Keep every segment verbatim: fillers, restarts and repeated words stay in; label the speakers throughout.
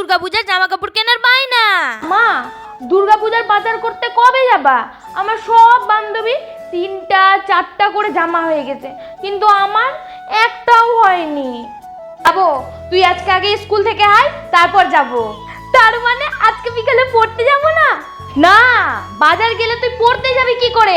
Speaker 1: দুর্গাপূজার জামা কাপড় কেনার বায়না।
Speaker 2: মা, দুর্গাপূজার বাজার করতে কবে যাবা? আমার সব বান্ধবী তিনটা চারটা করে জামা হয়ে গেছে, কিন্তু আমার একটাও হয়নি। যাবো, তুই আজকে আগে স্কুল থেকে আয়, তারপর যাব। তার মানে আজকে বিকালে পড়তে যাব না? না, বাজার গেলে তুই পড়তে যাবি কি করে?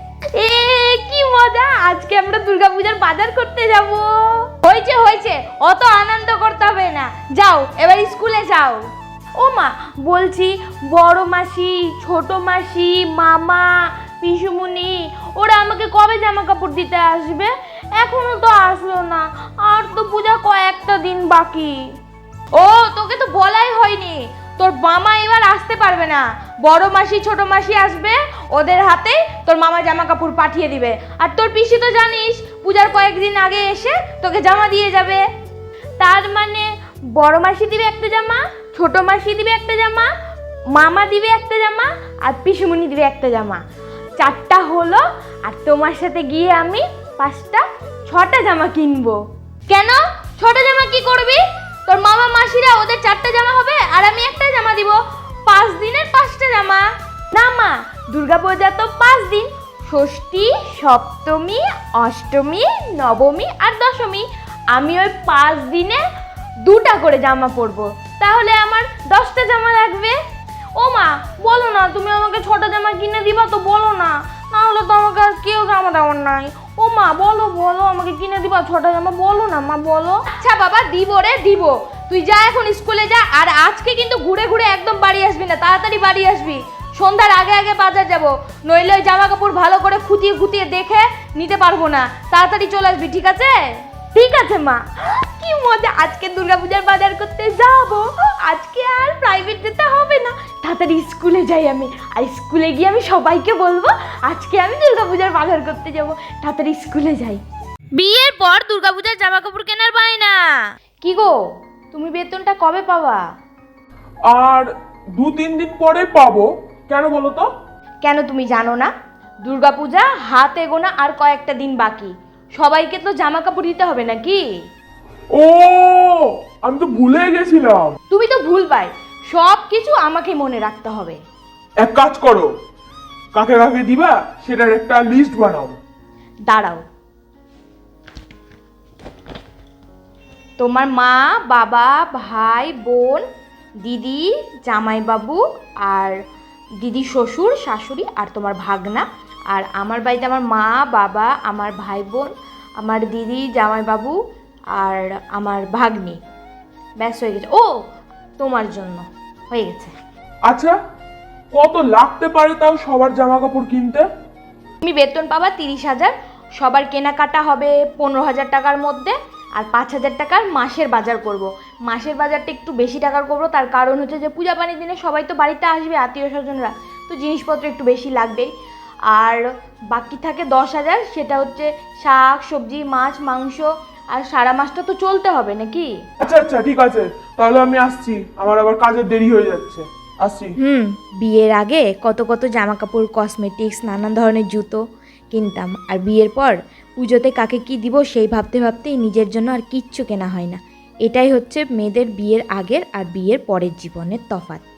Speaker 2: এ কি মজা, আজকে আমরা দুর্গাপূজার বাজার করতে যাব। হয়েছে হয়েছে, অত আনন্দ করতে হবে না, যাও এবার স্কুলে যাও। ও মা, বলছি বড় মাসি, ছোট মাসি, মামা, পিসুমণি ওরা আমাকে কবে জামা কাপড় দিতে আসবে? এখনো তো আসলো না, আর তো পূজা কয়েকটা দিন বাকি। ও, তোকে তো বলাই হয়নি, তোর মামা এবার আসতে পারবে না। বড় মাসি ছোট মাসি আসবে, ওদের হাতে তোর মামা জামা কাপড় পাঠিয়ে দিবে। আর তোর পিসি তো জানিস পূজার কয়েকদিন আগে এসে তোকে জামা দিয়ে যাবে। তার মানে বড় মাসি দিবে একটা জামা, ছোট মাসি দিবে একটা জামা, মামা দিবে একটা জামা, আর পিসুমণি দিবে একটা জামা। চারটা হলো, আর তোমার সাথে গিয়ে আমি পাঁচটা ছটা জামা কিনবো। কেন, ছোট জামা কি করবি? তোর মামা মাসিরা ওদের চারটা জামা হবে, আর আমি একটা জামা দিব। পাঁচ দিনের পাঁচটা জামা। না মা, দুর্গাপূজা তো পাঁচ দিন, ষষ্ঠী, সপ্তমী, অষ্টমী, নবমী আর দশমী। আমি ওই পাঁচ দিনে দুটা করে জামা পরবো, তাহলে আমার দশটা জামা লাগবে। ও মা, বলো না, তুমি আমাকে ছটা জামা কিনে দিবা তো, বলো না, না হলে তো আমাকে আর কেউ জামা দেওয়ার নাই। ও মা, বলো বলো, আমাকে কিনে দিবা ছটা জামা, বলো না মা, বলো। আচ্ছা বাবা, দিব রে দিব, তুই যা এখন স্কুলে যা। আর আজকে কিন্তু ঘুরে ঘুরে একদম বাড়ি আসবি না, তাড়াতাড়ি বাড়ি আসবি। সন্ধ্যার আগে আগে বাজার যাব, নইলে ওই জামা কাপড় ভালো করে খুঁটিয়ে খুঁটিয়ে দেখে নিতে পারবো না। তাড়াতাড়ি চলে আসবি, ঠিক আছে? ঠিক আছে মা। কি মজা, আজকে দুর্গাপূজার বাজার করতে যাব। আজকে আর প্রাইভেট যেতে হবে না, তাড়াতাড়ি স্কুলে যাই আমি। আর স্কুলে গিয়ে আমি সবাইকে বলবো আজকে আমি দুর্গাপূজার বাজার করতে যাব। তাড়াতাড়ি স্কুলে যাই।
Speaker 1: বিয়ের পর দুর্গাপূজার জামা কাপড় কেনার বায়না।
Speaker 2: কি গো, তুমি বেতনটা কবে পাবা?
Speaker 3: আর দু তিন দিন পরে পাবো। কেন বলো তো?
Speaker 2: কেন তুমি জানো না দুর্গাপূজা হাতে গোনা আর কয়েকটা দিন বাকি? সবাইকে তো জামা কাপড় দিতে হবে নাকি?
Speaker 3: ও, আমি তো ভুলে গেছিলাম।
Speaker 2: তুমি তো ভুলবাই, সব কিছু আমাকে মনে রাখতে হবে।
Speaker 3: এক কাজ করো, কাকে কাকে দিবা সেটার একটা লিস্ট বানাও।
Speaker 2: দাঁড়াও, তোমার মা, বাবা, ভাই, বোন, দিদি, জামাইবাবু, আর দিদি শ্বশুর শাশুড়ি, আর তোমার ভাগনা। আর আমার বাড়িতে আমার মা, বাবা, আমার ভাই বোন, আমার দিদি, জামাইবাবু আর আমার ভাগ্নি। ব্যাস হয়ে গেছে। ও, তোমার জন্য হয়ে গেছে।
Speaker 3: আচ্ছা, কত লাগতে পারে তাও সবার জামা কাপড় কিনতে?
Speaker 2: তুমি বেতন পাবা তিরিশ হাজার, সবার কেনাকাটা হবে পনেরো হাজার টাকার মধ্যে, আর পাঁচ হাজার টাকার মাসের বাজার করব। মাসের বাজারটা একটু বেশি টাকার করবো, তার কারণ হচ্ছে যে পূজা পানির দিনে সবাই তো বাড়িতে আসবে, আত্মীয় স্বজনরা, তো জিনিসপত্র একটু বেশি লাগবেই। আর বাকি থাকে দশ হাজার, সেটা হচ্ছে শাক সবজি, মাছ মাংস, আর সারা মাসটা তো চলতে হবে নাকি?
Speaker 3: আচ্ছা আচ্ছা, ঠিক আছে, তাহলে আমি আসছি, আমার আবার কাজের দেরি হয়ে যাচ্ছে, আসছি।
Speaker 1: হুম, বিয়ের আগে কত কত জামা কাপড়, কসমেটিক্স, নানান ধরনের জুতো কিনতাম, আর বিয়ের পর পুজোতে কাকে কি দিব সেই ভাবতে ভাবতেই নিজের জন্য আর কিচ্ছু কেনা হয় না। এটাই হচ্ছে মেয়েদের বিয়ের আগের আর বিয়ের পরের জীবনের তফাৎ।